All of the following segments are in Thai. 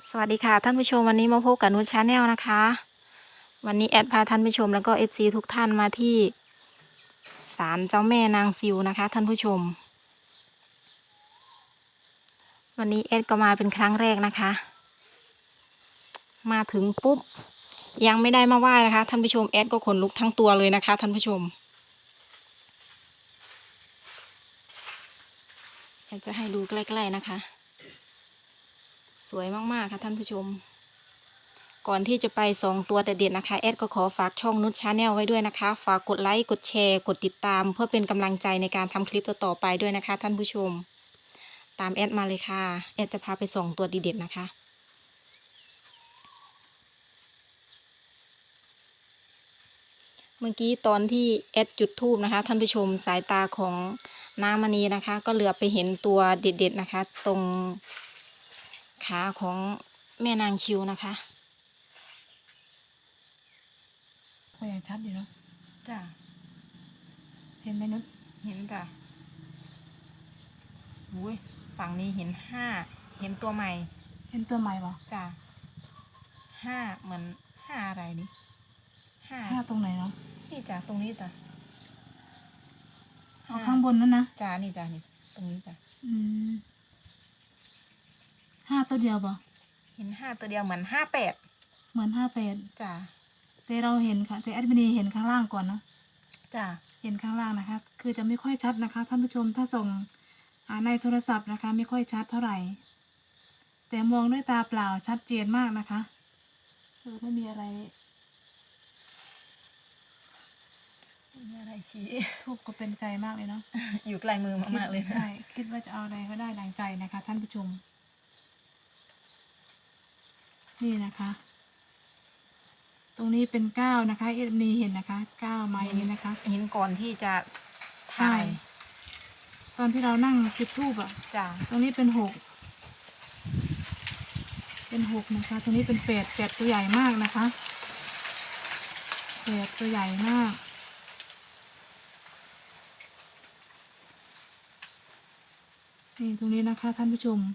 สวัสดีค่ะท่านผู้ชมวันนี้มาพบกับนุชชาแนลนะคะวันนี้แอดพาท่านผู้ชมแล้วก็FCทุกท่านมาที่ศาลเจ้าแม่นางซิวนะคะท่านผู้ชมวันนี้แอดก็มาเป็นครั้งแรกนะคะมาถึงปุ๊บยังไม่ได้มาไหว้นะคะท่านผู้ชมแอดก็ขนลุกทั้งตัวเลยนะคะท่านผู้ชมแอดจะให้ดูใกล้ๆนะคะสวยมากๆค่ะท่านผู้ชมก่อนที่จะไป2ตัวเด็ดๆนะคะแอดก็ขอฝากช่องนุชชาแนลไว้ด้วยนะคะฝากกดไลค์กดแชร์กดติดตามเพื่อเป็นกำลังใจในการทำคลิปต่อๆไปด้วยนะคะท่านผู้ชมตามแอดมาเลยค่ะแอดจะพาไป2ตัวดีเด็ดนะคะเมื่อกี้ตอนที่แอดจุดธูปนะคะท่านผู้ชมสายตาของน้ามณีนะคะก็เหลือไปเห็นตัวเด็ดๆนะคะตรงขาของแม่นางชิวนะคะก็ยังชัดอยู่เนาะจ้ะเห็นไหมนุชเห็นจ้ะอุ้ยฝั่งนี้เห็น5เห็นตัวใหม่เห็นตัวใหม่ปะจ้ะ5เหมือน5อะไรนี่หน้าตรงไหนเนาะนี่จ้ะตรงนี้จ้ะเอาข้างบนนั่นนะจ้ะนี่จ้ะนี่ตรงนี้จ้ะอืม5ตัวเดียวปะเห็น5ตัวเดียวเหมือน58 เหมือน58 จ้ะแต่เราเห็นค่ะแต่แอดมินเห็นข้างล่างก่อนเนาะจ้ะเห็นข้างล่างนะคะ คือจะไม่ค่อยชัดนะคะท่านผู้ชมถ้าส่งในโทรศัพท์นะคะ ไม่ค่อยชัดเท่าไหร่ แต่มองด้วยตาเปล่าชัดเจนมากนะคะไม่มีอะไรมีอะไรชี้ทูบก็เป็นใจมากเลยเนาะอยู่ไกลมือมากๆเลยนะใช่คิดว่าจะเอาอะไรก็ได้ดังใจนะคะ ท่านผู้ชม นี่นะคะ ตรงนี้เป็น9นะคะเอ็มนีเห็นนะคะ9มาอย่างนี้นะคะเห็นก่อนที่จะใช่ถ่ายตอนที่เรานั่งจุดธูปอ่ะจ้ะตรงนี้เป็น6เป็น6นะคะ ตรงนี้เป็น8ตัวใหญ่มากนะคะ8ตัวใหญ่มากนี่ตรงนี้นะคะท่านผู้ชม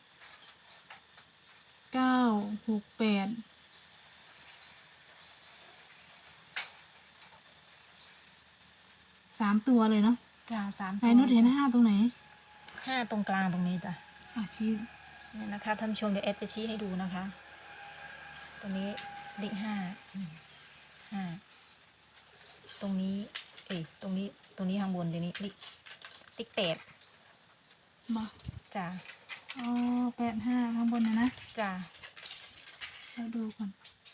9 6 83ตัวเลยเนาะจ้ะ3 ไหนนุชเห็น5ตรงไหน 5ตรงกลางตรงนี้จ้ะชี้นี่นะคะท่านผู้ชมเดี๋ยวแอดจะชี้ให้ดูนะคะ ตรงนี้เลข5ตรงนี้ตรงนี้ข้างบนเดี๋ยวนี้เลข8 มาจ้ะอ๋อ85ข้างบนนะจ้ะเราดูก่อน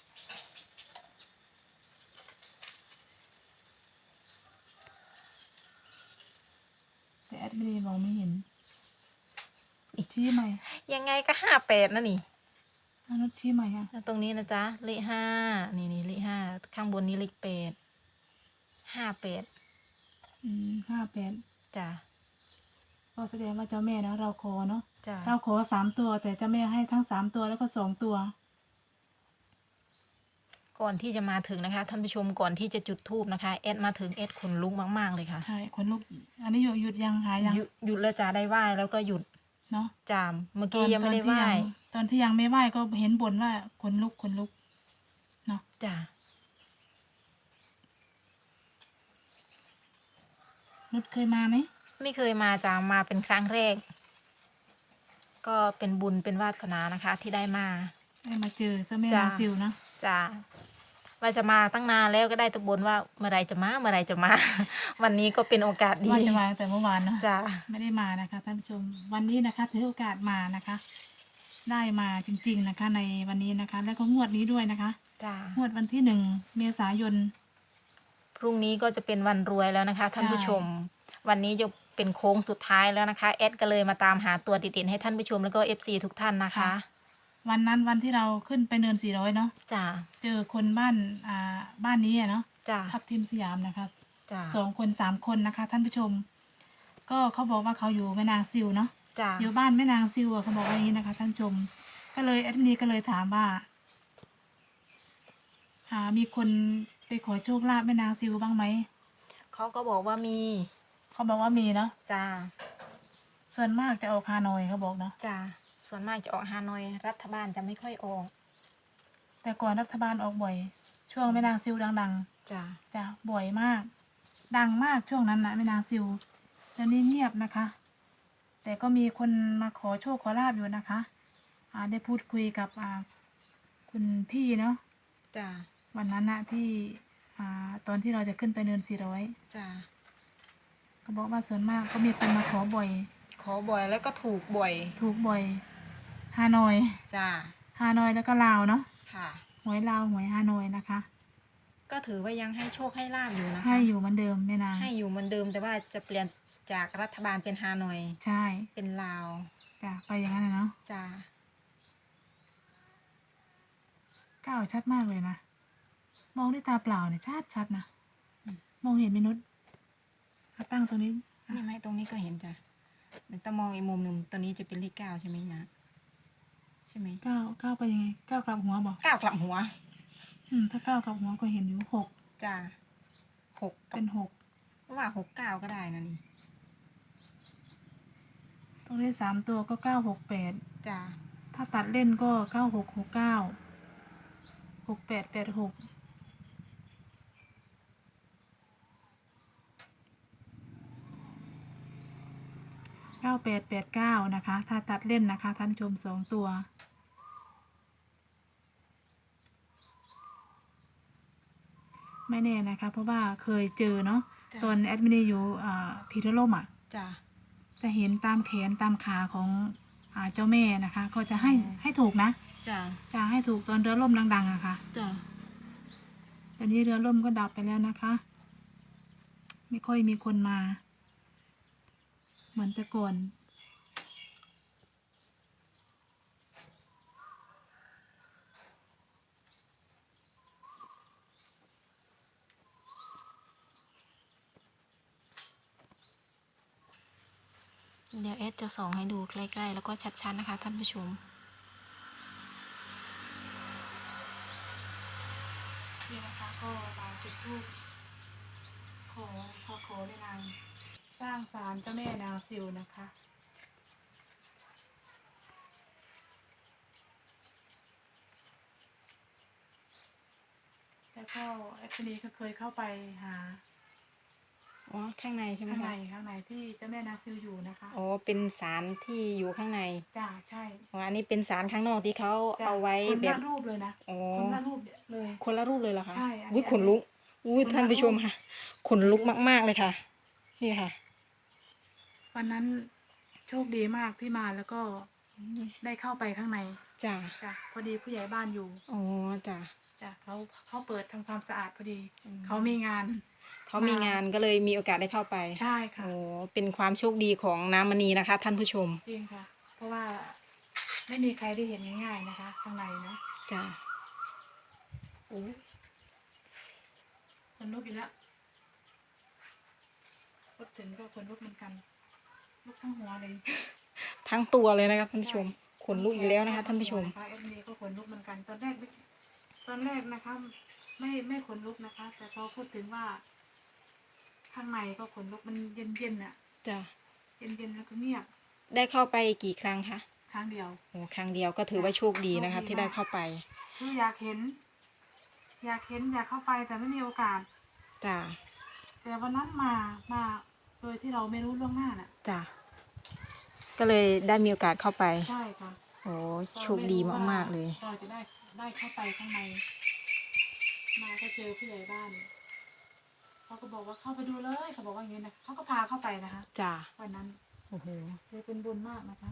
แต่แอดมินมองไม่เห็นชี้ใหม่ยังไงก็58นะนี่นุชชี้ใหม่ค่ะแล้วตรงนี้นะจ๊ะเลข5นี่เลข5ข้างบนนี้เลข8 58 58 จ้ะก็แสดงว่าเจ้าแม่นะเราขอเนาะจ้ะเราขอ3ตัวแต่เจ้าแม่ให้ทั้ง3ตัวแล้วก็2ตัวก่อนที่จะมาถึงนะคะท่านผู้ชมก่อนที่จะจุดธูปนะคะแอดมาถึงแอดขนลุกมากๆเลยค่ะใช่ขนลุกอันนี้หยุดยังหายยังหยุดแล้วจ้ะได้ไหว้แล้วก็หยุดเนาะจามเมื่อกี้ยังไม่ได้ไหว้ตอนที่ยังไม่ไหว้ก็เห็นบ่นว่าขนลุกเนาะจ้ะนุชเคยมาไหมไม่เคยมาจ้ามาเป็นครั้งแรก ก็เป็นบุญเป็นวาสนานะคะ ที่ได้มาได้มาเจอเจ้าแม่จ้ะนางซิวนะจ้าว่าจะมาตั้งนานแล้วก็ได้แตะบนว่าเมื่อไรจะมาเมื่อไรจะมา วันนี้ก็เป็นโอกาสดีว่าจะมาตั้งแต่เมื่อวานเนาะจ้าไม่ได้มานะคะท่านผู้ชมวันนี้นะคะถือโอกาสมานะคะ ได้มาจริงๆนะคะ ในวันนี้นะคะ แล้วก็งวดนี้ด้วยนะคะจ้างวดวันที่1 เมษายนพรุ่งนี้ก็จะเป็นวันรวยแล้วนะคะท่านผู้ชม วันนี้จะเป็นโค้งสุดท้ายแล้วนะคะแอดก็เลยมาตามหาตัวเด็ดๆให้ท่านผู้ชมแล้วก็FCทุกท่านนะคะวันนั้นวันที่เราขึ้นไปเนิน400เนาะจ้าเจอคนบ้านนี้อะเนาะจ้าทับทิมสยามนะคะจ้า 2 คน 3 คนนะคะ ท่านผู้ชม ก็เขาบอกว่าเขาอยู่แม่นางซิวเนาะจ้าอยู่บ้านแม่นางซิวอะเขาบอกว่าอย่างนี้นะคะท่านผู้ชม ก็เลยแอดมินก็เลยถามว่ามีคนไปขอโชคลาภแม่นางซิวบ้างไหมเขาก็บอกว่ามีเขาบอกว่ามีเนาะจ้าส่วนมากจะออกฮานอยเขาบอกเนาะจ้าส่วนมากจะออกฮานอยรัฐบาลจะไม่ค่อยออกแต่ก่อนรัฐบาลออกบ่อย ช่วงแม่นางซิวดังจ้ะๆจ้ะบ่อยมาก ดังมากช่วงนั้นนะแม่นางซิวตอนนี้เงียบนะคะ แต่ก็มีคนมาขอโชคขอลาบอยู่นะคะ ได้พูดคุยกับคุณพี่เนาะจ้ะวันนั้นนะที่ตอนที่เราจะขึ้นไปเนิน400 จ้ะเขาบอกว่าส่วนมากก็มีคนมาขอบ่อยขอบ่อยแล้วก็ถูกบ่อยถูกบ่อยฮานอยจ้ะฮานอยแล้วก็ลาวเนาะค่ะหวยลาวหวยฮานอยนะคะก็ถือว่ายังให้โชคให้ลาบอยู่นะคะให้อยู่เหมือนเดิมแม่นางให้อยู่เหมือนเดิมแต่ว่าจะเปลี่ยนจากรัฐบาลเป็นฮานอยใช่เป็นลาวจ้ะไปอย่างนั้นนะเนาะจ้ะก้าวชัดมากเลยนะ มองด้วยตาเปล่าเนี่ยชัดนะมองเห็นไหมนุชเอาตั้งตรงนี้นี่ไหมตรงนี้ก็เห็นจ้ะแต่ถ้ามองอีกมุมหนึ่งตัวนี้จะเป็นเลขเก้าใช่ไหมนะใช่ไหมก้าวไปยังไงก้าวกลับหัวบอกเก้ากลับหัวถ้าก้าวกลับหัวก็เห็นอยู่6 จ้ะหกกับเป็น6 ว่า6-9ก็ได้นะนี่ตรงนี้3ตัวก็968 จ้ะถ้าตัดเล่นก็9669 6886 9889นะคะถ้าตัดเล่นนะคะท่านผู้ชม2ตัวไม่แน่นะคะ เพราะว่าเคยเจอเนาะจ้ะตอนแอดมินอยู่พีทร่มอ่ะจ้ะจะเห็นตามแขนตามขาของเจ้าแม่นะคะ ก็จะให้ถูกนะจ้ะจะให้ถูกตอนเรือล่มดังๆอะค่ะจ้ะตอนนี้เรือล่มก็ดับไปแล้วนะคะ ไม่ค่อยมีคนมา เหมือนแต่ก่อนเดี๋ยวเอสจะส่องให้ดูใกล้ๆแล้วก็ชัดๆนะคะท่านผู้ชมนี่นะคะก็มาจุดธูปขอในนางสร้างศาลเจ้าแม่นางซิวนะคะ แล้วก็แอปนี้ก็เคยเข้าไปหาอ๋อข้างในใช่ไหมข้างในคะที่เจ้าแม่นางซิวอยู่นะคะอ๋อเป็นศาลที่อยู่ข้างในจ้าใช่อ๋ออันนี้เป็นศาลข้างนอกที่เขาจ้ะเอาไว้คนแบละบรูปเลยนะอ๋อคนละรูปเลยคนละรูปเลยเหรอคะใช่อันนี้อุ้ยขนลุกอุ้ยคนละท่านผู้ชมรูปค่ะขนลุกมากๆเลยค่ะ นี่ค่ะวันนั้นโชคดีมากที่มาแล้วก็ได้เข้าไปข้างในจ้ะจ้ะพอดีผู้ใหญ่บ้านอยู่อ๋อจ้ะจ้ะเขาเปิดทำความสะอาดพอดีอืมเขามีงานเขามีงานก็เลยมีโอกาสได้เข้าไปใช่ค่ะโอ้เป็นความโชคดีของน้ำมณีนะคะ ท่านผู้ชมจริงค่ะ เพราะว่าไม่มีใครได้เห็นง่ายๆนะคะ ข้างในนะจ้ะโอ้คนลุกอีกแล้วพูดถึงก็คนลุกเหมือนกันลุกทั้งหัวเลยทั้งตัวเลยนะคะท่านผู้ชม ขนลุกอยู่แล้วนะคะท่านผู้ชมเอฟนีก็ขนลุกเหมือนกัน ตอนแรกนะคะไม่ขนลุกนะคะ แต่พอพูดถึงว่า ข้างในก็ขนลุกมันเย็นๆน่ะจ้ะเย็นๆแล้วก็เงียบได้เข้าไปกี่ครั้งคะครั้งเดียวโอ้ครั้งเดียวก็ถือว่าโชคดีนะคะโชคดีที่ได้เข้าไปคืออยากเห็น อยากเข้าไปแต่ไม่มีโอกาสจ้ะแต่วันนั้นมาโดยที่เราไม่รู้ล่วงหน้าน่ะจ้ะก็เลยได้มีโอกาสเข้าไปใช่ค่ะโอ้โชคดีมากๆเลยเราจะได้เข้าไปข้างใน มาก็เจอผู้ใหญ่บ้านเขาก็บอกว่าเข้าไปดูเลยเขาบอกว่าอย่างนี้นะเขาก็พาเข้าไปนะคะจ้ะวันนั้นโอ้โหเลยเป็นบุญมากนะคะ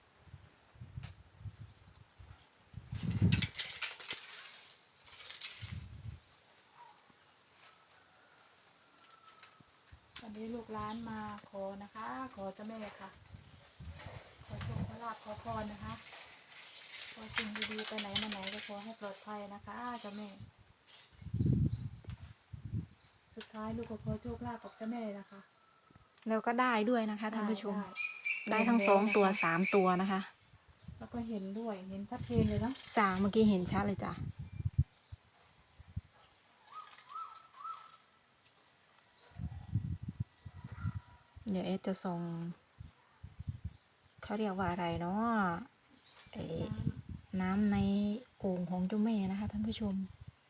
วันนี้ลูกหลานมาขอนะคะ ขอเจ้าแม่ค่ะ ขอโชคขอลาภขอพรนะคะขอสิ่งดีๆไปไหนมาไหนก็ขอให้ปลอดภัยนะคะเจ้าแม่ สุดท้ายลูกก็ขอโชคลาภกับเจ้าแม่นะคะแล้วก็ได้ด้วยนะคะท่านผู้ชมได้ได้ทั้ง2 ตัว 3 ตัวนะคะแล้วก็เห็นด้วยเห็นชัดเจนเลยเนาะจ้ะเมื่อกี้เห็นชัดเลยจ้ะ เดี๋ยวเอสจะส่งเขาเรียกว่าอะไรเนาะเอ่อน้ำในโอ่งของเจ้าแม่นะคะท่านผู้ชม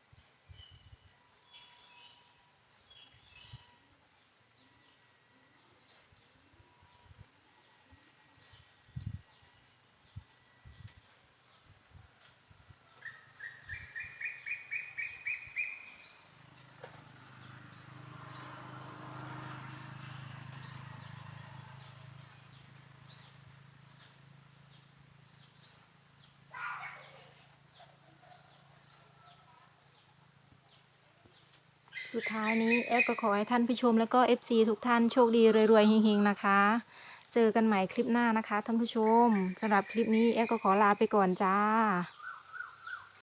สุดท้ายนี้แอดก็ขอให้ท่านผู้ชมแล้วก็ FC ทุกท่านโชคดีรวยๆเฮงๆนะคะ เจอกันใหม่คลิปหน้านะคะท่านผู้ชมสำหรับคลิปนี้แอดก็ขอลาไปก่อนจ้า